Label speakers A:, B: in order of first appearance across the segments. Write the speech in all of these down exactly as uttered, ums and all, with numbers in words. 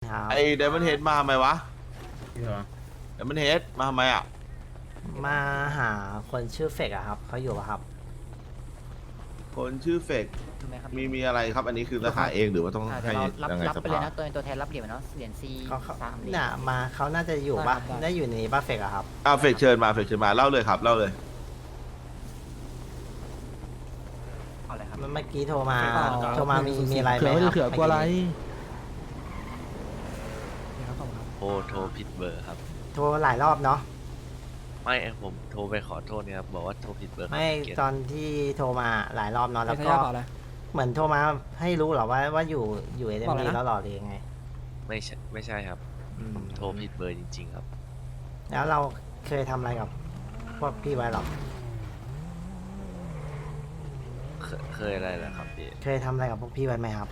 A: ครับ
B: ไอเดมอนเฮดมาทำไมวะเดมอนเฮดมาทำไมอ่ะ
A: มาหาคนชื่อเฟกอะครับเขาอยู่ปะครับ
B: คนชื่อเฟก
C: ถูกไหมครับ
B: มีมีอะไรครับ อันนี้คือจะหาเองหรือว่าต้อง
C: อ่าเดี๋ย
B: ให้
C: วเรารับ
B: ยังไง
C: รับ
B: ส
C: ไปเลย
B: ภา
C: นะตัวตัวแทนรับเหรียญเนาะเหรียญซี
A: เขาเขา
C: สามเหรียญ
A: เนี่ยมาเขาน่าจะอยู่ปะ
C: ได้ครับได้
A: ได้อยู่ในบ้าเฟกอะครับ
B: อ่าเฟกเชิญมาเฟกเชิญมาเล่าเลยครับเล่าเลย
C: เอาเลยครับ
A: เมื่อกี้โทรมา
C: อ๋อ
A: โทรมามีมีอะไรไหม
D: เขือ
A: ครับ
D: เขือกลัวอะไร
E: โทรโทรผิดเบอร์ครับ
A: โทรหลายรอบเนาะ
E: ไม่ผมโทรไปขอโทษเนี่ยครับบอกว่าโทรผิดเบอร์
A: ไม่
E: เกียรติ
A: ตอนที่โทรมาหลายรอบเนาะแล้ว
D: ใช้
A: ก็
D: ยาเปล่าอะไร
A: เหมือนโทรมาให้รู้เหรอว่าว่าอยู่อยู่เอ็ม
D: บอกเล
A: ดี
D: ยนะ
A: แล้วหรอหรือยังไง
E: ไม่ใช่ไม่ใช่ครับ
A: อืม
E: โทรผิดเบอร์จริง ๆ ครับ
A: แล้วเราเคยทำอะไรกับพวกพี่ไว้หรอ
E: เคยเคยอะไรเหรอครับพี่
A: เคยทำอะไรกับพวกพี่ไว้ไหมครับ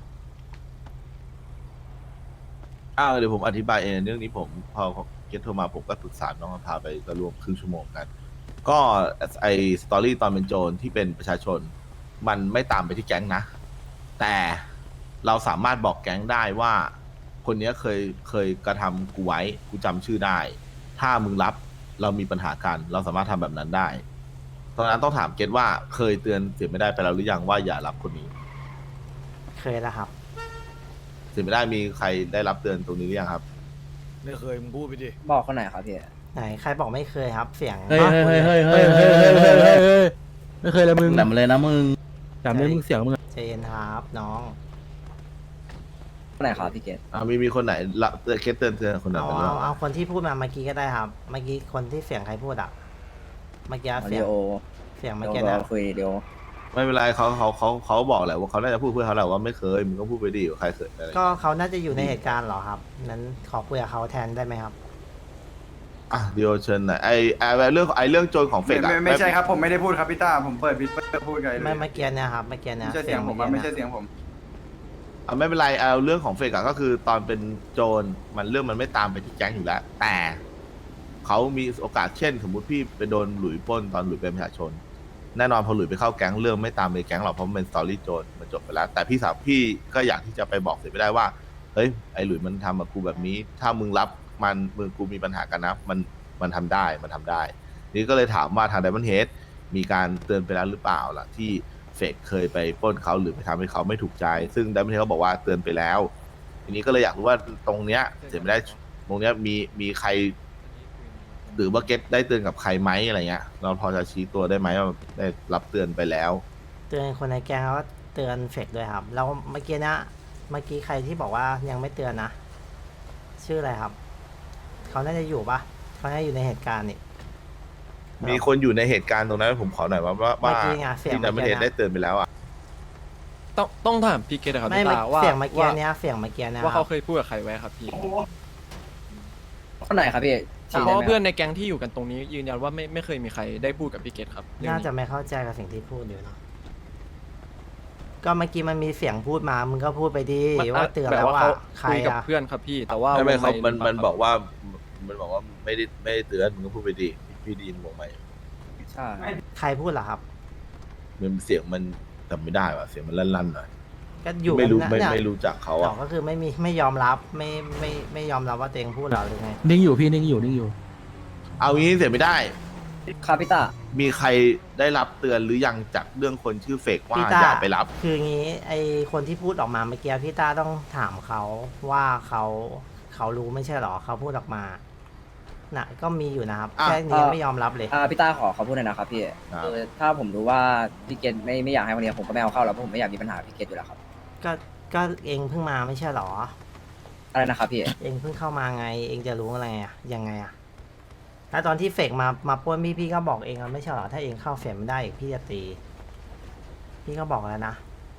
B: อ้าวเดี๋ยวผมอธิบายเองเรื่องนี้ผมพอเกตโทรมาผมก็ปรึกษาน้องพาไปก็รวมครึ่งชั่วโมงกัน ก็ไอสตอรี่ตอนเป็นโจรที่เป็นประชาชน มันไม่ตามไปที่แก๊งนะ แต่เราสามารถบอกแก๊งได้ว่า คนเนี้ยเคยเคยกระทำกูไว้กูจำชื่อได้ ถ้ามึงรับเรามีปัญหากัน เราสามารถทำแบบนั้นได้ ตอนนั้นต้องถามเกตว่าเคยเตือนเสียไม่ได้ไปแล้วหรือยังว่าอย่ารับคนนี้
A: เคยแล้วครับ
B: เสียไม่ได้มีใครได้รับเตือนตรงนี้หรือยังครับ
F: ไม่เคยมึงพูดไปดิ
G: บอกคนไหนครับพี่
A: ไหนใครบอกไม่เคยครับ เสียง
D: เฮ้ยเฮ้ยเฮ้ยเฮ้ยเฮ้ยเฮ้ยเฮ้ยเฮ้ยเฮ้ยไม่เคยเลยมึง
G: แหลมเลยนะมึง
D: จำได้มึงเสียงมึงอะ
A: ใจเย็นครับน้อง
G: คนไหนครับพี่เกศ
B: อ่ามีมีคนไหนละเตือนเคสเตือนเตือนคนไหน
A: เอา
B: ไปบ้า
A: เอา
B: ง
A: เอาคนที่พูดมาเมื่อกี้ก็ได้ครับ เมื่อกี้คนที่เสียงใครพูดอ่ะ เมื่อกี้
G: มา
A: เสี
G: ริ
A: ยง
G: โอ
A: เสียง
G: เดี๋
A: เมื่อ
G: ยว
A: กี้
G: เรา
A: นะ
G: คุยเดี๋ยว
B: ไม่เป็นไรเขาเขาเขาเขาบอกแหละว่าเขาน่าจะพูดเพื่อเขาแหละว่าไม่เคยมึงก็พูดไปดิว่าใครเคยอะไร
A: ก็เขาน่าจะอยู่ในเหตุการณ์เหรอครับ นั้นขอคุยกับเขาแทนได้ไหมครับ
B: อ่ะเดียวเชิญหน่อยไอไอเรื่องไอเรื่องโจรของเฟ
H: ไม่
B: กอะ
H: ไม่ไม่ใช่ครับผมไม่ได้พูดครับพี่ต้าผมเปิดวิดเปิดพูดกันเลย
A: ไม่เมื่อกี้เนี่ยครับ เมื่อกี้เนี่ย
H: ไม่ใช่เสียงผมอะ
A: อ
H: ไม่
A: กี้
H: ใช่เสียงผม
B: อ่ะไม่เป็นไรเอาเรื่องของเฟกอะก็คือตอนเป็นโจรมันเรื่องมันไม่ตามไปที่แก๊งอยู่แล้ว แต่เขามีโอกาสเช่น สมมุติพี่ไปโดนหลุยปล้นตอนหลุยเป็นประชาชน แน่นอนพอหลุยไปเข้าแก๊งเรื่องไม่ตามไปแก๊งหรอกเพราะมันเป็นสตอรี่โจรมันจบไปแล้ว แต่พี่สาวพี่ก็อยากที่จะไปบอกเสียไม่ได้ว่าเฮ้ยไอหลุยมันทำกับกูแบบนี้ ถ้ามึงรับมันมึงกูมีปัญหากันนะมันมันทำได้มันทำได้ นี่ก็เลยถามว่าทางไดมอนเฮดมีการเตือนไปแล้วหรือเปล่าล่ะที่เฟกเคยไปปล้นเขาหรือไปทำให้เขาไม่ถูกใจ ซึ่งไดมอนเฮดเขาบอกว่าเตือนไปแล้ว ทีนี้ก็เลยอยากรู้ว่าตรงเนี้ยเสียไม่ได้ตรงเนี้ยมีมีใคร หรือว่าเก็ตได้เตือนกับใครไหมอะไรเงี้ย เราพอจะชี้ตัวได้ไหมว่าได้รับเตือนไปแล้ว
A: เตือนคนในแก๊งแล้วก็เตือนเฟกด้วยครับ แล้วเมื่อกี้เนะเมื่อกี้ใครที่บอกว่ายังไม่เตือนนะ ชื่ออะไรครับ เขาน่าจะอยู่ปะเขาน่าจะอยู่ในเหตุการณ์นี่
B: มีคนอยู่ในเหตุการณ์ตรงนั้นผมขอหน่อยว่าว่าว่า
A: เมื่อกี้ไงเสียง
B: ที่ไดมอนเฮด
A: เมื่อกี้นะ
B: ได้เตือนไปแล้วอ่ะ
I: ต้องต้องถามพี่เกตนะครับ
A: ไม่
I: พี่
A: เมื่อ
I: ตาว่า
A: เสียงเมื่อกี้
I: ว่า
A: เนี้ยเสียงเมื่อกี้นะ
I: ว่า
A: ครั
I: เขา
A: บ
I: เคยพูดกับใครไว้ครับพี่
G: คนไหนครับพี่
I: เพ
G: ชี้
I: ราะ
G: ได้
I: ว่า
G: ไหม
I: เพื่อนในแก๊งที่อยู่กันตรงนี้ยืนยันว่าไม่ไม่เคยมีใครได้พูดกับพี่เกตครับเรื่อง
A: น่าจะ
I: นี้
A: ไม่เข้าใจกับสิ่งที่พูดอยู่เนาะก็เมื่อกี้มันมีเสียงพูดมามึงก็พูดไปดี
I: มัน
A: ว่าเตือน
I: บบ
A: แล้วว่า
I: เขา
A: ใคร
I: คุยกับ
A: อะ
I: เพื่อนครับพี่ แต่ว่า
B: ไม่ไม่เขา
I: วง
B: มันมัน
I: ครับ
B: บอกว่ามันบอกว่าไม่ได้ไม่ได้เตือนมึงก็พูดไปดิพี่ไดีนบอกไหม
G: ใช่
A: ใครพูดเหรอครับ
B: มันเสียงมันจำไม่ได้ว่ะเสียงมันลั่นๆหน่อย
A: ก็อยู่
B: ไม่รู้
A: กันนะ
B: ไม่
A: เนี่ย
B: ไม่รู้จักเขา
A: อ๋
B: อ่ะ
A: อก็คือไม่มีไม่ยอมรับไม่ไม่ไม่ยอมรับว่าตัวเองพูดเหรอหรือไง
D: นิ่งอยู่พี่นิ่งอยู่นิ่งอยู่
B: เอางี้เสียไม่ได้
G: ครับพี่ต้า
B: มีใครได้รับเตือนหรือยังจากเรื่องคนชื่อเฟกว่า
A: พี่ต้า
B: อย่าไปรับ
A: คืองี้ไอคนที่พูดออกมาเมื่อกี้พี่ต้าต้องถามเขาว่าเขาเขารู้ไม่ใช่เหรอเขาพูดออกมาน่ะก็มีอยู่นะครับ
B: อ่ะ
A: แค่นี้ยังไม่ยอมรับเลย
G: อ่าพี่ต้าขอขอพูดหน่อยนะครับพี่
B: ครับ
G: คือถ้าผมรู้ว่าพี่เกศไม่ไม่อยากให้วันนี้ผมก็ไม่เอาเข้าแล้วเพราะผมไม่อยากมีปัญหาพี่เกศอยู่แล้วครับ
A: ก็ก็เองเพิ่งมาไม่ใช่เหรอ
G: อะไรนะครับพี่
A: เองเพิ่งเข้ามาไง เองจะรู้อะไรอ่ะยังไงอ่ะแล้วตอนที่เฟกมามาป้วนพี่พี่ก็บอกเองอะไม่ใช่เหรอถ้าเองเข้าเฟกไม่ได้อีกพี่จะตี พี่ก็บอกแล้วนะ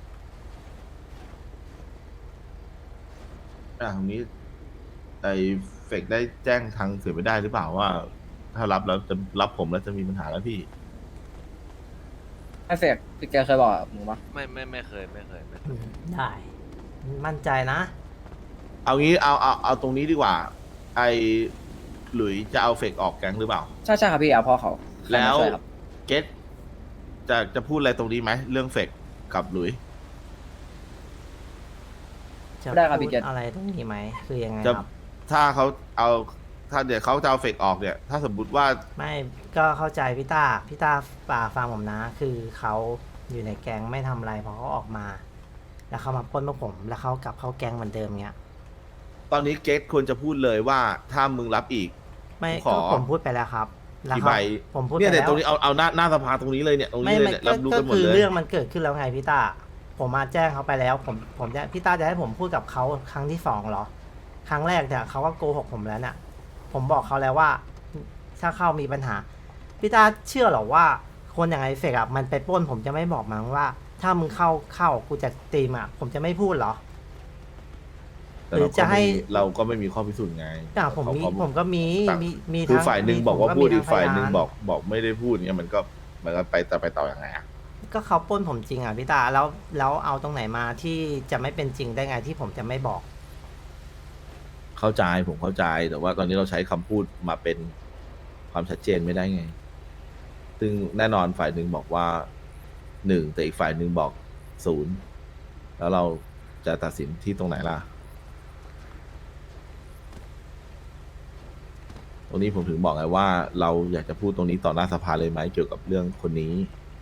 B: อ่ะตรงนี้ไอ้เฟกได้แจ้งทางเสียไม่ได้หรือเปล่าว่า ถ้ารับแล้วจะรับผมแล้วจะมีปัญหาแล้วพี่
G: ไอ้เฟกพี่เกศเคยบอกกับมึงปะ
E: ไม่ไม่ไม่เคยไม่เคยไม่เคย
A: ได้ มั่นใจนะ
B: เอางี้เอาเอาเอาตรงนี้ดีกว่า ไอ้หลุยจะเอาเฟกออกแก๊งหรือเปล่า
G: ใช่ใช่ครับพี่เอาพ่อเขา
B: แล้ว
G: ใช่ครับ
B: เกตจะจะพูดอะไรตรงนี้ไหมเรื่องเฟกกับหลุย
A: จะ
G: ได้ครับ
A: พู
G: พี่
A: ด
G: เกต
A: อะไรตรงนี้ไหมคือยังไง
B: จะ
A: ครับ
B: ถ้าเขาเอาถ้าเดี๋ยวเขาจะเอาเฟกออกเนี่ย ถ้าสมมติว่า
A: ไม่ก็เข้าใจพี่ต้าพี่ต้าป่าฟังผมนะ คือเขาอยู่ในแก๊งไม่ทำอะไรพอเขาออกมา แล้วเขามาปล้นพวกผม แล้วเขากลับเข้าแก๊งเหมือนเดิมเงี้ย
B: ตอนนี้เกตควรจะพูดเลยว่าถ้ามึงรับอีก
A: ไม่
B: ขอ
A: ก็ผมพูดไปแล้วครับแล้ว
B: กี่
A: เขา
B: ใบ
A: ผมพูดไป
B: เนี่ย
A: แล้
B: เนี่ยว ตรงนี้เอาเอาหน้าหน้าสภาตรงนี้เลยเนี่ยตรง
A: ไม่
B: นี้เลย
A: ไม่
B: เนี่ย
A: ก็
B: รับรู้
A: ก็
B: กันหมด
A: คือ
B: เลย
A: เรื่องมันเกิดขึ้นแล้วไงพี่ต้าผมมาแจ้งเขาไปแล้ว ผมผมจะพี่ต้าจะให้ผมพูดกับเขาครั้งที่สองเหรอ ครั้งแรกเนี่ยเขาก็โกหกผมแล้วเนี่ยผมบอกเขาแล้วว่า ถ้าเข้ามีปัญหาพี่ต้าเชื่อเหรอว่า คนอย่างไอเฟกอะมันไปปล้นผมจะไม่บอกมันว่า ถ้ามึงเข้าเข้ากูจะตีมอะผมจะไม่พูดเหรอ
B: แต่
A: หรือจะให้
B: เราก็ไม่มีข้อพิสูจน์ไง
A: อ่ะผมมี
B: เขา
A: ผมก็มี
B: ต่าง
A: มีมี
B: คือ
A: ทั้ง
B: ฝ่ายหนึ่ง
A: มี
B: บอกว่า
A: ผม
B: พูด
A: มี
B: อีก
A: ทั้
B: ฝ่ายหนึ่ง
A: พ
B: บอกบอกไม่ได้พูดเนี่ยมันก็มันก็ไปแต่ไปต่อยังไงอะ
A: ก็เขาปล้นผมจริงอ่ะพี่ตาแล้วแล้วเอาตรงไหนมาที่จะไม่เป็นจริงได้ไงที่ผมจะไม่บอก
B: เข้าใจผมเข้าใจแต่ว่าตอนนี้เราใช้คำพูดมาเป็นความชัดเจนไม่ได้ไง ซึ่งแน่นอนฝ่ายหนึ่งบอกว่าหนึ่งแต่อีกฝ่ายหนึ่งบอกศูนย์แล้วเราจะตัดสินที่ตรงไหนล่ะ ตรงนี้ผมถึงบอกไงว่า เราอยากจะพูดตรงนี้ต่อหน้าสภาเลยไหมเกี่ยวกับเรื่องคนนี้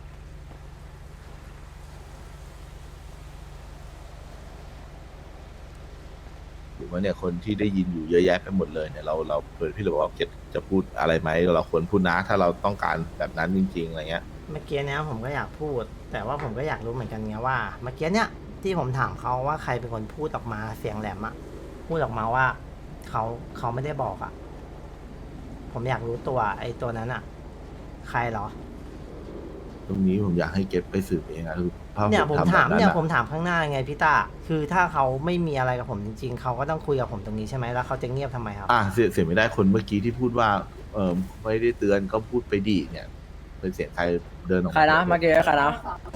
B: หรือว่าเนี่ยคนที่ได้ยินอยู่เยอะแยะไปหมดเลยเนี่ยเราเราเปิดพี่เลยบอกว่าจะจะพูดอะไรไหมเราควรพูดนะถ้าเราต้องการแบบนั้นจริงๆอะไรเงี้ย
A: เมื่อกี้เนี้ยผมก็อยากพูด แต่ว่าผมก็อยากรู้เหมือนกันไงว่า เมื่อกี้เนี้ยที่ผมถามเขาว่าใครเป็นคนพูดออกมาเสียงแหลมอะพูดออกมาว่าเขาเขาไม่ได้บอกอะผมอยากรู้ตัวไอ้ตัวนั้นอะใครเหรอ
B: ตรงนี้ผมอยากให้เก็บไปสืบเองอะคือถ้า
A: เนี่ยผม
B: ทำ
A: ถาม
B: แบบ
A: เนี่ย
B: อะ
A: ผมถามข้างหน้าไงพี่ตาคือถ้าเขาไม่มีอะไรกับผมจริงๆเขาก็ต้องคุยกับผมตรงนี้ใช่ไหมแล้วเขาจะเงียบทำไมครับ
B: อ่ะเสียเสียไม่ได้คนเมื่อกี้ที่พูดว่าเออไม่ได้เตือนก็พูดไปดีเนี่ย เป็นเสียงใครเดินออก
G: ใครนะเมื่อกี้ใครนะ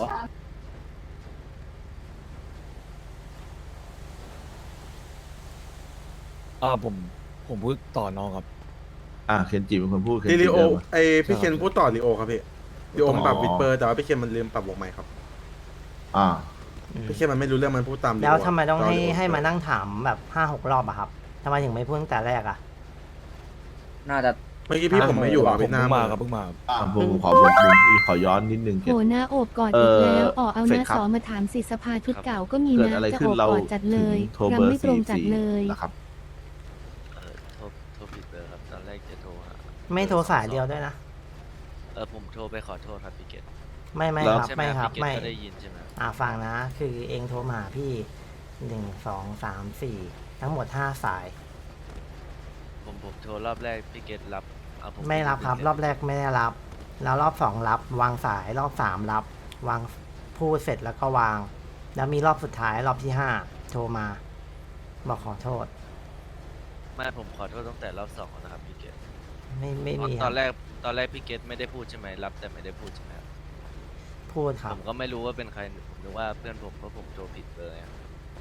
F: อ่าผมผมพูดต่อน้องครับ
B: อ่ะเคนจิเป็นคนพูดเคน
J: ที่
B: จิ
J: ลีโอ
B: เดินมา
J: ไอพี่เคนพูดต่อลีโอครับพี่ลีโอมันปรับวิดเปอร์แต่ว่าพี่เคนมันลืมปรับวงใหม่ครับ
B: อ่า
J: พี่เคนมันไม่รู้เรื่องมันพูดตาม
A: แล้วทำไมต้องให้
J: ลีโ
A: ให้มานั่งถามแบบห้าหกรอบอะครับทำไมถึงไม่พูดตั้งแต่แรกอะ
G: น่าจะ
J: เมื่อกี้พี่ผมไม่อยู่อ่ะ
F: ผม
J: พี่หน้า
F: เพิ่งมา
J: มา
F: ครับเพิ่งมา
B: อ่ะผมผมขอผมผมขอย้อนนิดนึงเคน
K: โหหน้าโอบกอด
B: เอ่
K: อี
B: อก
K: แล้วอ๋อเอา
B: เฟ
K: ห
B: ซ
K: น้า
B: ครับ
K: สอมาถามสิสภาชุดเก่าก็มี
B: เกิด
K: นะ
B: อะไร
K: จะ
B: ขึ้
K: โอน บ
B: เรา
K: กอดจัดเลย
B: ถึงโทร
K: รั
B: เบอร์
K: ไม่ตรง
B: สี่
K: จัด
B: สี่
K: เลย
B: นะครับ
E: เออโทรโทรผิดเบอร์ครับ ตอนแรกจะโทรหา
A: ไม่โทรสายเดียวด้วยนะ
E: เออผมโทรไปขอโทษครับพี่เกต
A: ไม่ไม่
B: แล้ว
A: ครับ
E: ใช่ไหม
A: ไม่ครับ
E: พี่เกต
A: ไม่
E: ก็ได้ยินใช่ไหม
A: อ่าฟังนะ คือเองโทรมาหาพี่หนึ่งสองสามสี่ทั้งหมดห้าสาย
E: ผมผมโทรรอบแรกพี่เกตรับเอาผม
A: ไม่รับครับ
E: พี่เกต
A: รอบแรกไม่ได้รับ แล้วรอบสองรับ วางสายรอบสามรับ วางพูดเสร็จแล้วก็วาง แล้วมีรอบสุดท้ายรอบที่ห้าโทรมาบอกขอโทษ
E: ไม่ผมขอโทษตั้งแต่รอบสองแล้วนะครับพี่เกต
A: ไม่ไม่มีค
E: ต
A: รั
E: อบ นแรกตอนแรกพี่เกตไม่ได้พูดใช่ไหมรับแต่ไม่ได้พูดใช่ไหมครับ
A: พูดครั
E: ผ
A: บ
E: มก็ไม่รู้ว่าเป็นใครผมนึกว่าเพื่อนผมเพราะผมโทรผิดเบอร์ไง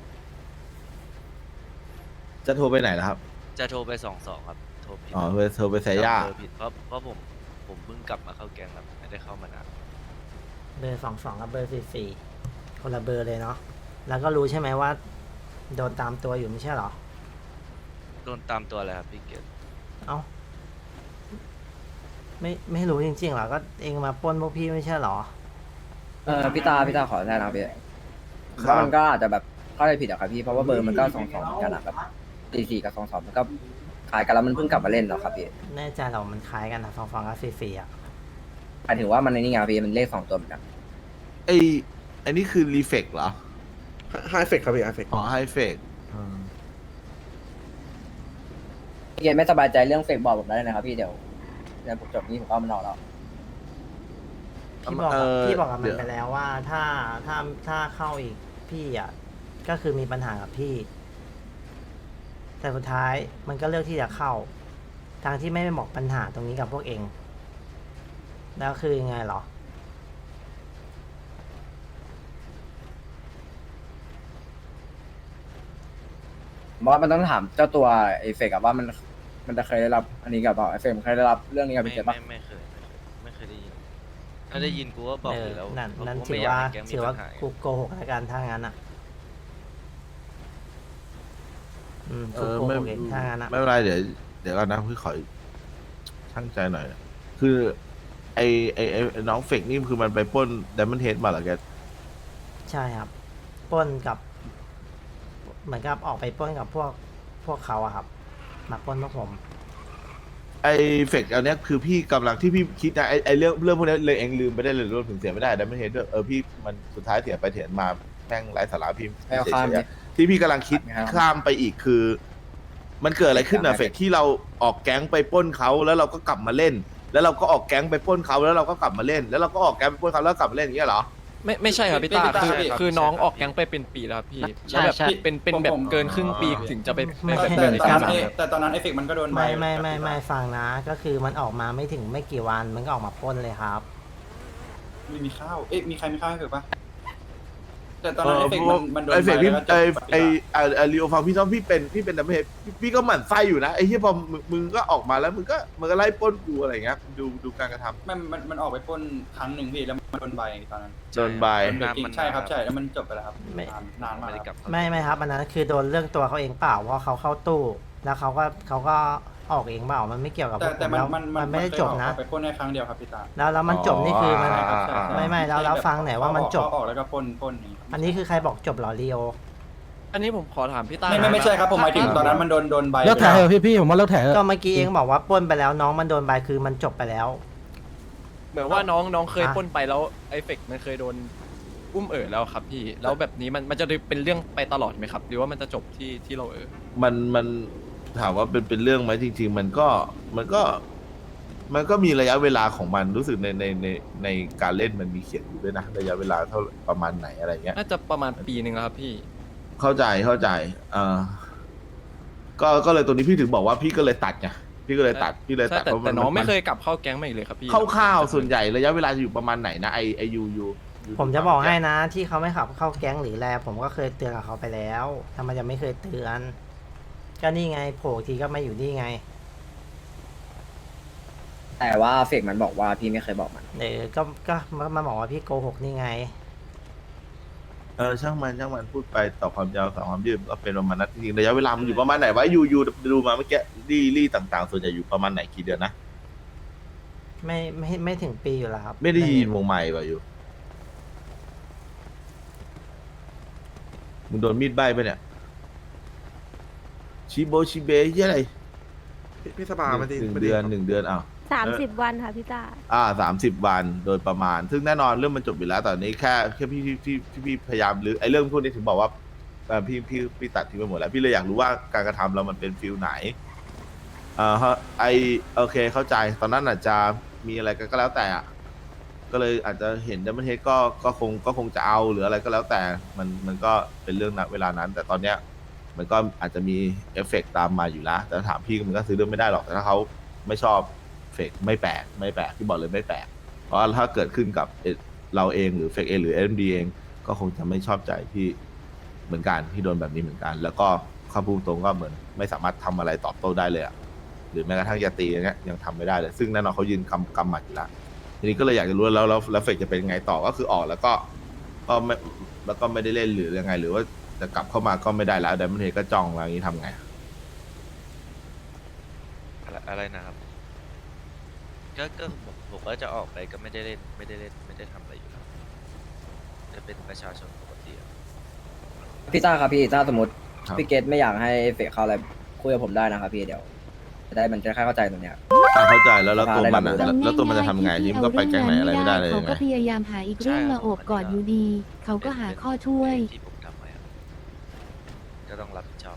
B: จะโทรไปไหนนะครับ
E: จะโทรไปสองสองครับโทรผิด
B: อ๋อโทรโทรไปใส่ย่า
E: จำเบอร์ผิดเพราะเพราะผมผมเพิ่งกลับมาเข้าแกงครับไม่ได้เข้ามานาน
A: เบอร์สองสองกับเบอร์สี่สี่คนละเบอร์เลยเนาะแล้วก็รู้ใช่ไหมว่า โดนตามตัวอยู่ไม่ใช่เหรอ
E: โดนตามตัวอะไรครับพี่เกต
A: เอ้าไม่ไม่รู้จริงๆเหรอก็เองมาปล้นพวกพี่ไม่ใช่เหรอ
G: เออพี่ตาพี่ตาขอแทนนะพี่
B: ครับ
G: ว่ามันก็อาจจะแบบเข้าใจผิดอะครับพี่เพราะว่าเบอร์มันก็สองสองเหมือนกันอะแบบสี่สี่กับสองสองมันก็ขายกันแล้วมันเพิ่งกลับมาเล่นเหรอครับพี่
A: แน่ใจเหรอมันคล้ายกันนะสองสองกับสี่สี่อ่ะ
G: หมายถึงว่ามันในนี่ไงพี่มันเลขสองตัวเหมือนกัน
B: ไอไอันนี้คือรีเฟกเหรอ
J: ไฮเฟกครับพี่ไฮเฟก
B: อ๋อไฮเฟก
G: พี่เกณฑ์ไม่สบายใจเรื่องเฟกบอกผมได้เลยนะครับพี่เดี๋ยวเดี๋ยวผมจบนี้ผมก็เอามันออกแล้ว
A: พี่บอก
B: เอ่
A: กับ
B: อ
A: พี่บอกกับมั
B: เดี๋
A: น
B: ยว
A: ไปแล้วว่าถ้าถ้าถ้าเข้าอีกพี่อ่ะก็คือมีปัญหากับพี่ แต่สุดท้ายมันก็เลือกที่จะเข้า ทางที่ไม่ได้บอกปัญหาตรงนี้กับพวกเอง แล้วคือยังไงเหรอ
G: เพราะว่ามันต้องถามเจ้าตัวไอเฟกอะว่ามันมันจะเคยได้รับอันนี้กับเปล่าไอเฟกมันเคยได้รับเรื่องนี้กับ
E: ไม่
G: พี่เกตปะ
E: ไม่ไม่เคยไม่เคยไม่เคยได้ยิน ถ้าได้ยินกูก็บอก
A: เอ
E: อ
A: อยู่
E: แล้ว
A: นั่น
E: เพระ
A: นั่น
E: กู
A: ถื
E: ไม่
A: อ
E: อยก
A: ว่า
E: ให้แก๊งมี
A: ถือว่า
E: ปัญหา
A: กูโกหกแล้วกันถ้างั้นอ่ะอืม
B: เอ
A: สุด
B: อ
A: โก
B: ไม่
A: หกเองถ้างั้นอะ
B: ไม่เป็นไรเดี๋ยวเดี๋ยวก่อนนะพี่ขอช่างใจหน่อยนะคือไอไอไอไอ้น้องเฟกนี่คือมันไปปล้นไดมอนเฮดมาเหรอแก
A: ใช่ครับปล้นกับ เหมือนกับออกไปปล้นกับพวกพวกเขาอะครับ มาปล้นพวกผม
B: ไอเฟกอันเนี้ยคือพี่กำลังที่พี่คิดนะไอไอเรื่องเรื่องพวกนี้เลยเองลืมไปได้เลยรวมถึงเสียไม่ได้ไดมอนเฮดด้วยเออพี่มันสุดท้ายเสียไปเถียนมาแม่งไร้สาระพี่
G: ไม่เอาข้าม
B: เฉยๆ
G: ดิ
B: อะที่พี่กำลังคิด
G: ไม่เอา
B: ข้ามไปอีกคือ มันเกิดอะไรขึ้นอะ
G: ไม่
B: เฟกที่เราออกแก๊งไปปล้นเขาแล้วเราก็กลับมาเล่น แล้วเราก็ออกแก๊งไปปล้นเขาแล้วเราก็กลับมาเล่น แล้วเราก็ออกแก๊งไปปล้นเขาแล้วกลับมาเล่นอย่างเงี้ยเหรอ
I: ไม่ไม่ใช่ครับพี่
C: ไม่
I: ตา
C: ไม่
I: คือ
C: ใช่ครับ
I: คือ
C: ใช่
I: น้อง
C: ครับ
I: ออกแก๊งไปเป็นปีแล้วครับพี่
C: ใช่
I: แล้วแบบ
C: ใช่
I: เป็นเป็นแบบเกินครึ่งปีถึงจะไป
A: ไม่
I: ไป
A: ไม่
I: เป็น
H: แต่
I: ใน
H: ตอน
I: การ
H: นั้น
I: ครับ
H: แต่ตอนนั้นไอเฟกมันก็โดนใบ
A: ไม่ไม่ไม่ไม่ฟังนะ ก็คือมันออกมาไม่ถึงไม่กี่วันมันก็ออกมาปล้นเลยครับ
H: ไม่มีข้าว เอ๊ะมีใครมีข้าวให้เฟกปะแต่ตอนนั้นไอเฟก
B: เอ
H: มั
B: อน
H: มันโดน
B: ไอเฟก
H: ใบ
B: พี่
H: แล้วก็จบ
B: ไอ
H: ปฏิ
B: ไอ
H: บัติ
B: ไอไอลีโอฟังพี่ต้องพี่เป็นพี่เป็นดัมเบิลเฮดพี่พี่ก็หมั่นไส้อยู่นะไอที่พอมึงมึงก็ออกมาแล้วมึงก็มึงก็ไล่ปล้นกูอะไรอย่างเงี้ยดูดูการกระทำ
H: มันมันมันออกไปปล้นครั้งหนึ่งพี่แล้วมันโดนใบตอนนั้น
B: โดนใบ
H: โดนใบจริงใช่ครับใช่แล้วมันจบไปแล้วครับ
A: ไม่
H: นานนานมาก
E: ไม่ได้
H: ค
E: ก
H: รั
E: ลั
H: บบ
E: เข้า
A: ไม่ไม่ครับอันนั้นคือโดนเรื่องตัวเขาเองเปล่าเพราะเขาเข้าตู้ แล้วเขาก็เขาก็ออกเองเปล่ามันไม่เกี่ยวกับพ
H: แต่
A: วกผ
H: แต่
A: ม
H: มัน
A: แล้ว
H: มัน
A: มันไม่ได้
H: เคย
A: จ
H: อบ อก
A: นะ
H: ออกไปปล้นแค่ครั้งเดียวครับพี่ตา
A: แล้วแล้วมันจบนี่คือมัน
H: ใช่ครับใช่ใช่
A: ไม่ไม่แล้วแล้วฟังหน่อยว่ามันจบ
H: เข้ออกแล้วก็ปล้นปล้นอย่างงี้ครับ
A: อันนี้คือใครบอกจบเหรอลีโอ
I: อันนี้ผมขอถามพี่ตา
H: ไม่ไม่ไม่ใช่ครับผมหมายถึงตอนนั้นมันโดนโดนใบ
D: เลิกแถเถอะพี่พี่ผมว่าเลิกแถเถ
A: ก็
D: อะ
A: เมื่อกี้เองบอกว่าปล้นไปแล้วน้องมันโดนใบคือมันจบไปแล้ว
I: เหมือนว่าน้องน้องเคย
A: อ่ะ
I: ปล้นไปแล้วไอเฟกมันเคยโดนอุ้มเอ๋อแล้วครับพี่ แล้วแบบนี้มันมันจะเป็นเรื่องไปตลอดไหมครับ หรือว่ามันจะจบที่ที่เราเอ๋อ
B: มันมันถามว่าเป็นเป็นเรื่องไหมจริง ๆ มันก็มันก็ มันก็มีระยะเวลาของมันรู้สึกในในในในการเล่นมันมีเขียนอยู่ด้วยนะระยะเวลาเท่าประมาณไหนอะไรเงี้ย
I: น่าจะประมาณปีหนึ่งแล้วครับพี่
B: เข้าใจเข้าใจเออก็ก็เลยตัวนี้พี่ถึงบอกว่าพี่ก็เลยตัดไงพี่ก็เลยตัดพี่เลย
I: ใช่
B: ตัด
I: แต่
B: เพราะ
I: แต่น้องไม่
B: น
I: เคยกลับเข้าแก๊งมาอีกเลยครับพี่
B: คร่าวๆส่วนใหญ่ระยะเวลาจะอยู่ประมาณไหนนะไอไอยูยูยู
A: ผมจะบอกให้นะที่เขาไม่ขับเข้าแก๊งหรือแลผมก็เคยเตือนกับเขาไปแล้วทำไมจะไม่เคยเตือนก็นี่ไงโผล่ทีก็ไม่อยู่นี่ไง
G: แต่ว่าเฟกมันบอกว่าพี่ไม่เคยบอกมัน
A: เออก็ก็มามาบอกว่าพี่โกหกนี่ไง
B: เออช่างมันช่างมันพูดไปต่อความยาวต่อความยืดก็เป็นประมาณนั้นจริงๆระยะเวลามันอยู่ประมาณไหนวะยูยูดูมาเมื่อกี้รี่รี่ต่างๆ ส่วนใหญ่อยู่ประมาณไหนกี่เดือนนะ
A: ไม่ไม่ไม่ถึงปีอยู่แล้วครับ
B: ไม่ได้ยินวงใหม่ป่ะอยู่มึงโดนมีดใบ้ไปะเนี่ยชิโบชิเบยี่อะไร
J: พี่พี่สบามาดิ
B: หนึ่ง
J: มาดิ
B: เดือน
J: ครับ
B: หนึ่งเดือนอ้าว
K: สามสิบวันค่ะพี่ตา
B: อ่าสามสิบวันโดยประมาณ ซึ่งแน่นอนเรื่องมันจบอยู่แล้วแต่นี้แค่แค่พี่พี่พี่พี่พี่พยายามหรือไอ้เรื่องพวกนี้ถึงบอกว่าเอ่อพี่พี่พี่ตัดทิ้งไปหมดแล้วพี่เลยอยากรู้ว่าการกระทำเรามันเป็นฟิลไหนอ่าฮะไอโอเคเข้าใจตอนนั้นอาจจะมีอะไรก็แล้วแต่อะก็เลยอาจจะเห็นดัมเบิลเฮดก็ก็คงก็คงจะเอาหรืออะไรก็แล้วแต่มันมันก็เป็นเรื่องณเวลานั้น แต่ตอนเนี้ยมันก็อาจจะมีเอฟเฟกต์ตามมาอยู่แล้วแต่ถ้าถามพี่มันก็ซื้อเรื่องไม่ได้หรอกแต่ถ้าเขาไม่ชอบเฟกไม่แปลกไม่แปลกพี่บอกเลยไม่แปลกเพราะว่าถ้าเกิดขึ้นกับเอ่อเราเองหรือเฟกเองหรือเอ็มดีเองก็คงจะไม่ชอบใจที่เหมือนกันที่โดนแบบนี้เหมือนกัน แล้วก็ข้าพูดตรงก็เหมือนไม่สามารถทำอะไรตอบโต้ได้เลยอะหรือแม้กระทั่งยาตีอย่างเงี้ยยังทำไม่ได้เลยซึ่งแน่นอนเขายืนกำกำหมัดอยู่แล้วทีนี้ก็เลยอยากจะรู้แล้วแล้วแล้วเฟกจะเป็นยังไงต่อก็คือออกแล้วก็ก็ไม่แล้วก็ไม่ได้เล่นหรือยังไง หรือว่าจะกลับเข้ามาก็ไม่ได้แล้วแต่มันเห็นก็จ้องอะไรอย่างนี้ทำไง
E: อะไรอะไรนะครับ ก็ก็ผมผมก็จะออกไปก็ไม่ได้เล่นไม่ได้เล่นไม่ได้ทำอะไรอยู่แล้วจะเป็นประชาชนปกติอะ
G: พี่ต้าครับพี่ถ้าสมมติ
B: ครับ
G: พี่เกตไม่อยากให้เฟกเข้าอะไรคุยกับผมได้นะครับพี่เดี๋ยวจะได้มันจะค่อยเข้าใจตรงเนี้ย
B: อ่ะเข้าใจแล้วแล้วตัวมันอะ
G: ได้
B: แล้วแล้วตัวมันจะทำไงยิ่งก็ไปแก๊งไหนอะไรไม่ได้เลย
K: เขา
B: ไง
K: ก็พยายามหาอีกเรื่องมาโอบกอดอยู่ดี เขาก็หาข้อช่วย
E: ที่ผมทำไว้อะก็ต้องรับผิดชอบ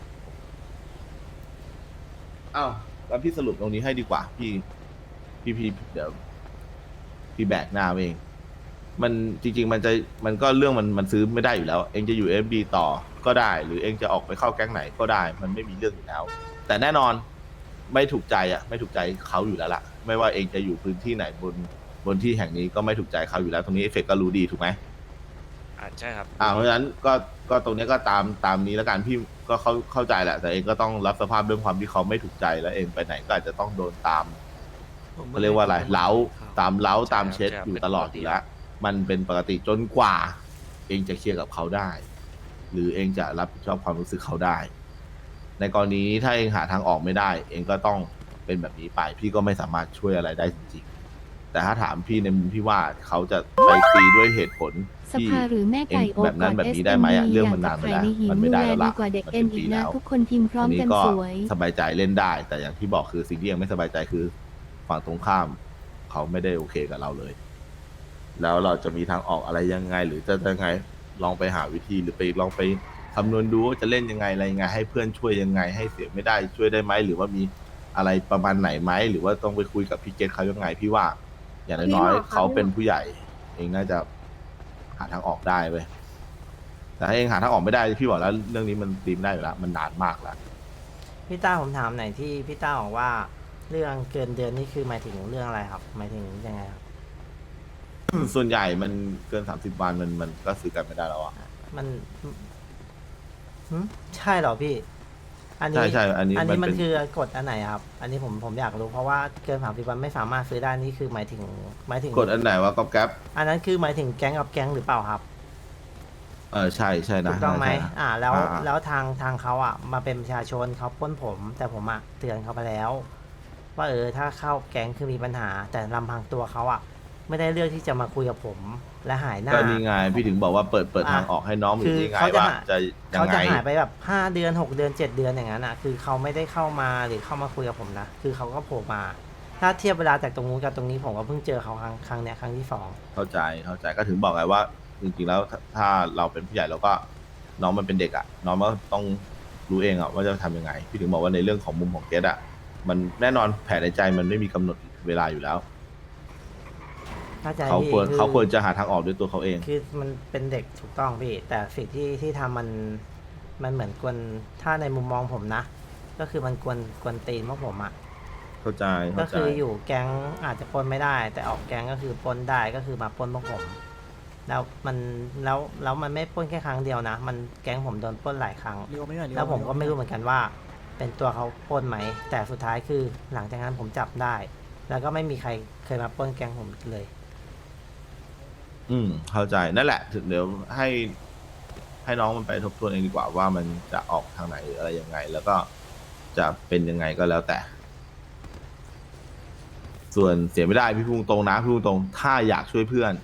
B: อ้าวแล้วพี่สรุปตรงนี้ให้ดีกว่า พี่พี่พี่เดี๋ยวพี่แบกหน้าเอง มันจริง ๆ มันจะมันก็เรื่องมันมันซื้อไม่ได้อยู่แล้ว เองจะอยู่เอฟบีต่อก็ได้ หรือเองจะออกไปเข้าแก๊งไหนก็ได้ มันไม่มีเรื่องอยู่แล้ว แต่แน่นอนไม่ถูกใจอ่ะ ไม่ถูกใจเขาอยู่แล้วล่ะ ไม่ว่าเองจะอยู่พื้นที่ไหนบนบนที่แห่งนี้ก็ไม่ถูกใจเขาอยู่แล้วตรงนี้เอฟเฟกก็รู้ดีถูกไหม
E: อ่าใช่ครับ
B: อ่าเพราะฉะนั้นก็ก็ตรงนี้ก็ตามตามนี้แล้วกันพี่ก็เข้าเข้าใจแหละ แต่เองก็ต้องรับสภาพเรื่องความที่เขาไม่ถูกใจแล้วเองไปไหนก็อาจจะต้องโดนตามเขาเรียกว่าอะไรเล้าตามเล้าตามเช็ดอยู่ตลอดอยู่แล้วมันเป็นปกติจนกว่า เองจะเคลียร์กับเขาได้ หรือเองจะรับผิดชอบความรู้สึกเขาได้ในกรณีนี้ถ้าเองหาทางออกไม่ได้ เองก็ต้องเป็นแบบนี้ไป พี่ก็ไม่สามารถช่วยอะไรได้จริงๆแต่ถ้าถามพี่ในมุมที่ว่าเขาจะไปตีด้วยเหตุผล
K: ส
B: ที่
K: ภาหรือแม่ไก่
B: เอง
K: โอบ
B: แบบนั้
K: กอน ด
B: แบบ
K: เอส
B: นี้
K: เอ็
B: ได้
K: ม
B: ไหม
K: ดี
B: อะเรื่อง
K: อยา
B: มัน
K: ก
B: นาน
K: จะ
B: ไป
K: ขาย
B: แล้ว
K: ในหิน
B: มันไม่
K: ดู
B: ได้
K: แล
B: แล้ว
K: ดี
B: ล่ะ
K: กว่าเด็ก
B: มัน
K: เอ็
B: เป็น น
K: อี
B: ปี
K: กนะ
B: แล้ว
K: ทุกคนพิมพ์พร้อม
B: อันนี้
K: กัน
B: ก็
K: สวย
B: สบายใจเล่นได้ แต่อย่างที่บอกคือสิ่งที่ยังไม่สบายใจคือ ฝั่งตรงข้าม เขาไม่ได้โอเคกับเราเลย แล้วเราจะมีทางออกอะไรยังไง หรือจะยังไงลองไปหาวิธีหรือไปลองไปคำนวณดูว่าจะเล่นยังไงอะไรยังไง ให้เพื่อนช่วยยังไง ให้เสียไม่ได้ช่วยได้ไหมหรือว่ามีอะไรประมาณไหนไหมหรือว่าต้องไปคุยกับพี่เกตเขายังไงพี่ว่า อย่างน้อยๆเขาเป็นผู้ใหญ่ เองน่าจะหาทางออกได้เว้ยแต่ถ้าเองหาทางออกไม่ได้พี่บอกแล้วเรื่องนี้มันตีมได้อยู่แล้วมันนานมากแล้ว
A: พี่ต้าผมถามหน่อยที่พี่ต้าบอกว่าเรื่องเกินเดือนนี่คือหมายถึงเรื่องอะไรครับ หมายถึงยังไงครับ
B: ส่วนใหญ่มันเกินสามสิบวันมันมันก็ซื้อกันไม่ได้แล้วอ่ะ
A: มันหึใช่เหรอพี่ อันนี้
B: ใช่ใช่อันนี้
A: อันนี้
B: มั
A: มัน น
B: เป็น
A: คือกฎอันไหนครับ อันนี้ผมผมอยากรู้เพราะว่าเกินสามสิบวันไม่สามารถซื้อได้นี่คือหมายถึงหมายถึง
B: กดอันไหนว่าก๊อปแก๊ป
A: อันนั้นคือหมายถึงแก๊งกับแก๊งหรือเปล่าครับ
B: เออใช่ใช่นะ
A: ถูกต้องไหม
B: ใช่นะ
A: อ่า แล้ว
B: อ่าอ่า
A: แล้วทางทางเขาอ่ะ มาเป็นประชาชนเขาปล้นผม แต่ผมอ่ะเตือนเขาไปแล้ว ว่าเออถ้าเข้าแก๊งคือมีปัญหา แต่ลำพังตัวเขาอ่ะ ไม่ได้เลือกที่จะมาคุยกับผม และหายหน้า
B: ก็นี่ไงพี่ถึงบอกว่าเปิดเปิด
A: อ่ะ
B: ทางออกให้น้องหรื
A: คือ อ
B: ยังไง
A: เขาจะ
B: ว่า
A: หา
B: จะยั
A: เขา
B: งไง
A: จะหายไปแบบห้าเดือนหกเดือนเจ็ดเดือนอย่างนั้นอ่ะ คือเขาไม่ได้เข้ามาหรือเข้ามาคุยกับผมนะ คือเขาก็โผล่มา ถ้าเทียบเวลาจากตรงนู้นกับตรงนี้ผมก็เพิ่งเจอเขาครั้งครั้งเนี้ยครั้งที่สอง
B: เข้าใจเข้าใจก็ถึงบอกไงว่า จริงๆแล้วถ้าถ้าเราเป็นผู้ใหญ่เราก็น้องมันเป็นเด็กอ่ะน้องมันก็ต้องรู้เองอ่ะว่าจะทำยังไง พี่ถึงบอกว่าในเรื่องของมุมของเกดอ่ะมันแน่นอนแผนในใจมันไม่มีกำหนดเวลาอยู่แล้ว
A: เข้าใจ
B: เขา
A: พี่
B: ควร
A: คือ
B: เขาควรจะหาทางออกด้วยตัวเขาเอง
A: คือมันเป็นเด็กถูกต้องพี่ แต่สิ่งที่ที่ทำมันมันเหมือนกวนถ้าในมุมมองผมนะ ก็คือมันกวนกวนตีนพวกผมอะ
B: เข้าใจ
A: ก็
B: เข้าใจ
A: คืออยู่แก๊งอาจจะปล้นไม่ได้ แต่ออกแก๊งก็คือปล้นได้ก็คือมาปล้นพวกผม แล้วมันแล้วแล้วมันไม่ปล้นแค่ครั้งเดียวนะ มันแก๊งผมโดนปล้นหลายครั้ง แล้วผมก็ไม่รู้เหมือนกันว่า เป็นตัวเขาปล้นไหม แต่สุดท้ายคือหลังจากนั้นผมจับได้ แล้วก็ไม่มีใครเคยมาปล้นแก๊งผมอีกเลย
B: อืมเข้าใจนั่นแหละถึงเดี๋ยวให้ให้น้องมันไปทบทวนเองดีกว่าว่ามันจะออกทางไหนหรืออะไรยังไง แล้วก็จะเป็นยังไงก็แล้วแต่ ส่วนเสียไม่ได้พี่พูดตรงนะพี่พูดตรงถ้าอยากช่วยเพื่อน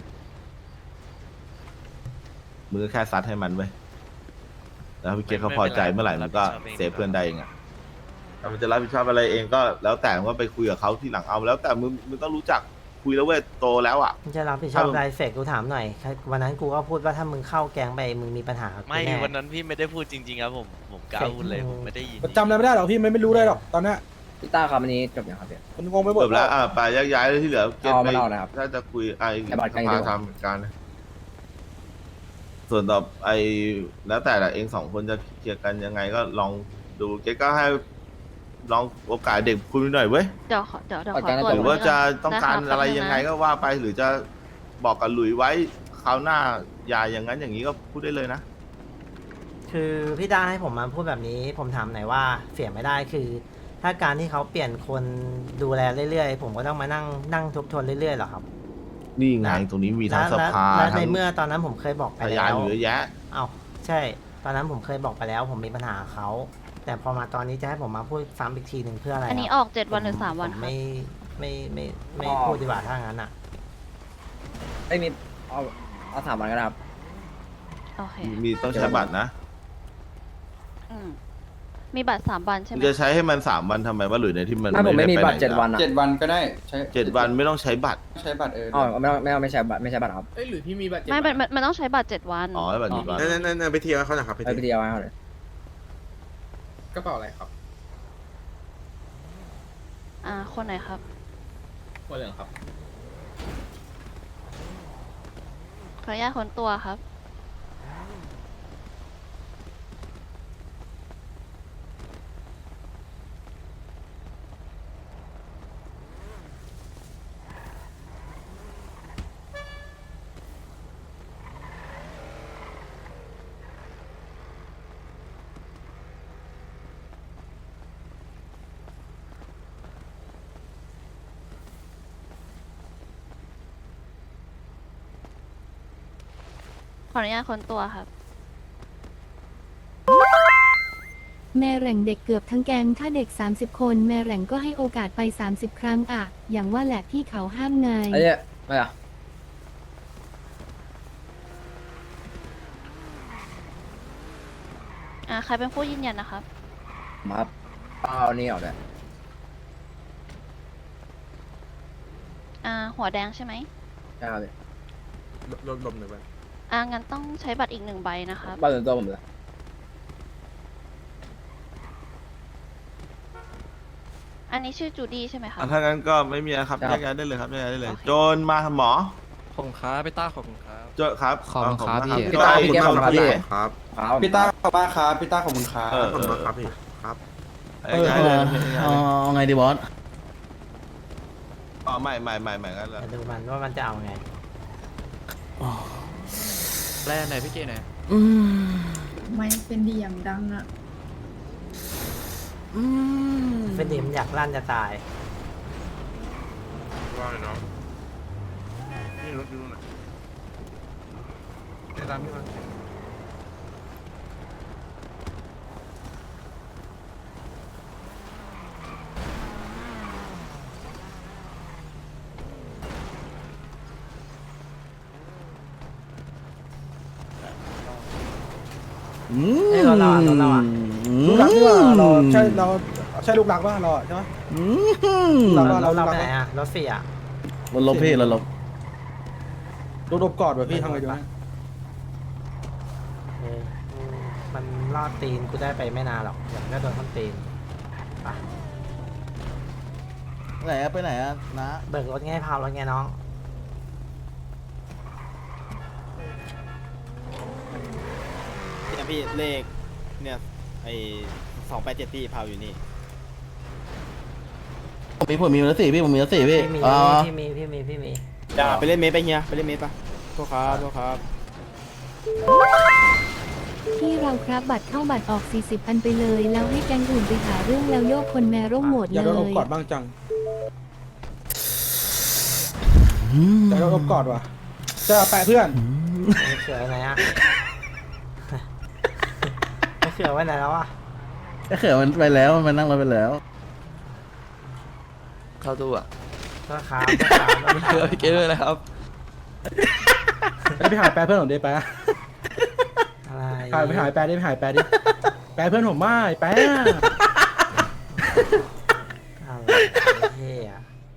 B: มือก็แค่ซัดให้มันไว้ยแล้วพี่เกศเขาพอใจเมื่อไหร่มันก็เซฟเพื่อนได้เองอะถ้ามันจะรับผิดชอบอะไรเองก็แล้วแต่มันก็ไปคุยกับเขาที่หลังเอาแล้วแต่มึงมึงต้องรู้จักคุยแล้วเว้ยโตแล้วอ่ะ
A: มึงจะรับผิดชอบ
B: ถ้ามึง
A: รายเฟกกูถามหน่อย วันนั้นกูก็พูดว่าถ้ามึงเข้าแก๊งไปมึงมีปัญหากับกู
E: ไม่
A: แน่
E: วันนั้นพี่ไม่ได้พูดจริงๆครับผมผมกล้าพูดเลยผมไม่ได้ยิน
D: จำอะไรไม่ได้หรอกพี่ไม่ไม่รู้เลยหรอกตอนเนี้ย
G: พี่ต้าครับอันนี้จบยังครับพี่
D: มันงงไปหมด
B: จบแล้วอ่ะไปย้ายย้ายเลยที่เหลือเก็บ
G: เอา
B: ไป
G: มันเอานะครับ
B: ถ้าจะคุยไอ้
G: ไอ้บัตร
B: ส
G: ใกล้
B: ภา
G: ดีกว่า
B: ทำการนะส่วนต่อไอ้แล้วแต่ละเองสองคนจะเคลียร์กันยังไงก็ลองดูเก๊ก็ให้ลองโอกาสเด็กคุยหน่อยเว้ย
K: เดี๋ยวขอเดี๋ยวเดี๋ยว
G: ประ
K: ขอ
G: กัน
K: ตรวจ
B: หรือว่าจะต้องการ
K: ด้คบ
B: อะไร
K: แป๊บนึ
B: ยังไง
K: นะ
B: ก็ว่าไปหรือจะบอกกับหลุยไว้คราวหน้าอย่าอย่างนั้นอย่างนี้ก็พูดได้เลยนะ
A: คือพี่ดาให้ผมมาพูดแบบนี้ ผมถามหน่อยว่าเสียไม่ได้คือ ถ้าการที่เขาเปลี่ยนคนดูแลเรื่อยๆ ผมก็ต้องมานั่งนั่งทบทวนเรื่อยๆหรอครับ
B: นี่ไงตรงนี้มีทั้ง
A: และ
B: สภา
A: และและ
B: ทั้
A: ใน
B: ง
A: เมื่อตอนนั้นผมเคยบอกไป
B: พ
A: แล้
B: ยาน
A: ว
B: อยู่เยอะแยะ
A: เอาใช่ ตอนนั้นผมเคยบอกไปแล้ว ผมมีปัญหากับเขาแต่พอมาตอนนี้จะให้ผมมาพูดซ้ำอีกทีหนึ่งเพื่ออะไร
K: อันนี้
A: ค
K: อ
A: รับ
K: อกเจ็ดวันหรือสามวัน
A: ผ
K: ครับ
A: ไม่ไม่ไม่ไม่ไม่พูดดีกว่าถ้างั้นอ่ะ
G: ไม่มีเอาเอาสามวันก็ได้ครับ
K: โอเค
B: มีต้องใช้บัตรนะ
K: อืมมีบัตรสามวันใช่ไหม
B: จะใช้ให้มันสามวันทำไมว่าหรือในที่มัน
G: ถ้าผมไม่มี
B: ด้ป
G: บัตร
B: ห
G: เจ็ดวัน
B: อะ
G: อะ
H: เจ็ดวันก็ได้ใช้
B: เจ็ดวันไม่ต้องใช้บัตร
H: ใช้บัตรเออ
G: อ๋อไม่ต้องไม่ต้องไม่ใช่บัตรไม่ใช่บัตรครับ
D: เอ้ยหรือพี่มีบัตรเจ็ด
K: ไม่มันมันมันต้องใช้บัตรเจ็ดวัน
B: อ๋อให้บัตรดีกว่า
J: นั่นนั่นนั่นไปเที่ยวเขาหน่อยครับไป
G: ไปไป
J: เที่ยว
G: เดียวเอาเลย
D: กระเป๋าอะไรครับ
K: อ่า คนไหนครับ
D: หัวเหลืองครับ
K: ขออนุญาตคนตัวครับ ขออนุญาตคนตัวครับแม่แหล่งเด็กเกือบทั้งแก๊งถ้าเด็ก สามสิบ คนแม่แหล่งก็ให้โอกาสไป สามสิบ ครั้งอะอย่างว่าแหละที่เขาห้ามไง
G: ไอ้เนี่ยไม่อะ
L: อ่าใครเป็นผู้ยืนยันนะครับ
G: มาครับเอานี่ออกเลย
L: อ่าหัวแดงใช่ไหม
G: ใช่ครับพี่
J: ลดลมหน่อยไป
L: อ่างั้นต้องใช้บัตรอีกหนึ่งใบนะครับ
G: บ้านส่วนตัวผมเลย
L: อันนี้ชื่อจูดี้ใช่ไหมคะ
B: อ่ะถ้างั้นก็ไม่มีนะครับแยกย้ายได้เลยครับแยกย้ายได้เลย
L: โอเค
B: โจนมาหมอ
I: ขอบคุณครับพี่ต้าขอบคุณครับ
B: โจครับ
D: ขอบคุณครับ
B: ข
D: พี่
B: ณ
G: พี่ต้า
B: โจ
G: พี่แก้วขอบคุณครับพี่
J: ครับ
G: ครับ
H: พี่ต้าขอบคุณครับพี่ต้าขอบคุณครับ
B: เออ
J: ขอบคุณครับพี่ครับ
B: แยกย้ายเลยแยกย้ายเลย
D: เอาไงดีบอส
B: อ๋อไม่ไม่ไม่ไม่งั้นเลย
A: เดี๋ยวดูมันว่ามันจะเอาไง
I: แรกไหนพี่เจไหน
D: อืม
L: ไม่เป็นดีอย่างดังอะ
D: อืม
A: เป็นดิมอยากลั่นจะตาย
J: ว่าเลยเนาะนี่รถอยู่นู่นน่ะได้ตามพี่มา
D: อืม
A: เอ้ยรถเราอะรถเราอะ
D: ลูกรักที่ว่าเราใช่เรา
J: ใช่ลูกรักป่ะเราใช่ไหม
D: อืม
A: รถเราเราไปไหนอะรถเสีย
D: รถลบพี่รถลบ
J: โดนอบกอดว่ะพี่ทำไงดีวะ
A: เอออืมมันลอดตีนกูได้ไปไม่นานหรอกเดี๋ยวมันก็โดนท้นตีนไป
D: ไหนอะไปไหนอะนะ
A: เบิกรถไงพาวรถไงน้อง
C: เนี่ยพี่เลขเนี่ยไอสองแปดเจ็ดที่พาวอยู่นี่
D: ผมมีผมมีรถสี่พี่ผมมีรถสี่พี่
A: พี่มี
D: อ๋อ
A: พี่มีพี่มีพี่มี
C: อย่าไปเล่นเมสไปเฮียไปเล่นเมสปะโทษครับโทษครับ
K: ที่เราครับบัตรเข้าบัตรออก สี่สิบ อันไปเลย แล้วให้แก๊งอื่นไปหาเรื่องแล้วโยกคนแมร่งโหมด
J: อย่า
K: เล
J: โดนอบ
K: ย
J: กอดบ้างจังอย่าโดนอบกอดว่ะจะแปะเพื่อน
A: ไม่เขือไว้ไหนอะ ไม่เขือไว้ไหนแล้วอะ
D: ไอ้เขือมันไปแล้วมันนั่งรถไปแล้ว
I: เข้าตู้อ่ะ
A: ก็ครับก็ครับก็
I: เพื่อพี่เกด้วยนะครับ
J: ไปหาแปะเพื่อนผมดิแปะ
A: อะไร
J: หายไปหายแปะดิไปหายแปะดิแปะเพื่อนผมไม่แปะ